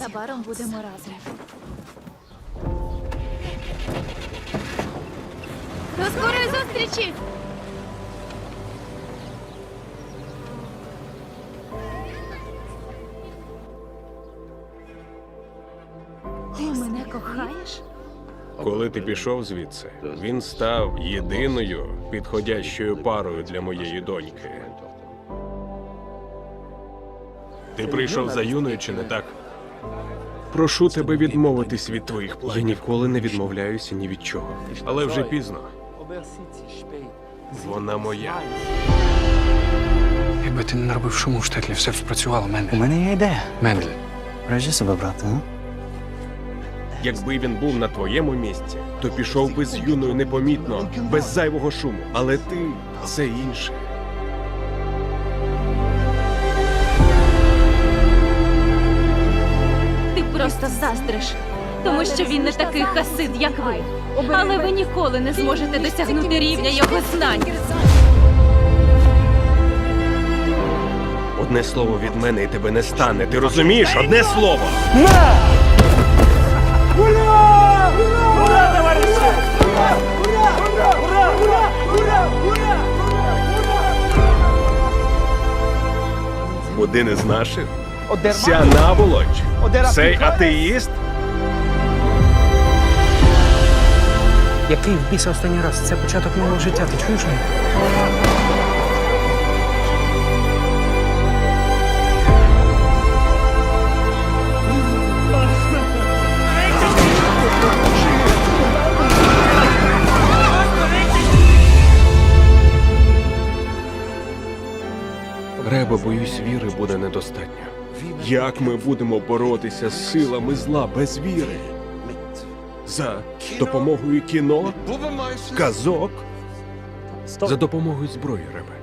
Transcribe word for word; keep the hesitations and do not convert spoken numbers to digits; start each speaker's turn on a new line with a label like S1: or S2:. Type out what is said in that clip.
S1: Незабаром будемо разом. До скорої зустрічі! Ти мене кохаєш?
S2: Коли ти пішов звідси, він став єдиною підходящою парою для моєї доньки. Ти прийшов за Юною, чи не так? Прошу тебе відмовитись від твоїх планів.
S3: Я ніколи не відмовляюся ні від чого.
S2: Але вже пізно. Вона моя.
S4: Якби ти не наробив шуму в штетлі, все б спрацювало,
S5: У
S4: Мендель.
S5: мене є ідея.
S4: Мендель.
S5: Бережи себе, брате, а?
S2: Якби він був на твоєму місці, то пішов би з Юною непомітно, без зайвого шуму. Але ти – це інше.
S1: Ти просто заздриш, тому що він не такий хасид, як ви. Але ви ніколи не зможете досягнути рівня його знань.
S2: Одне слово від мене і тебе не стане. Ти розумієш? Одне слово! Один із наших? Ця наволоч? Цей атеїст?
S4: Який в біса останній раз? Це початок нового життя, ти чуєш мене?
S2: Реба, боюсь, віри буде недостатньо. Як ми будемо боротися з силами зла без віри? За допомогою кіно? Казок? За допомогою зброї, Ребе.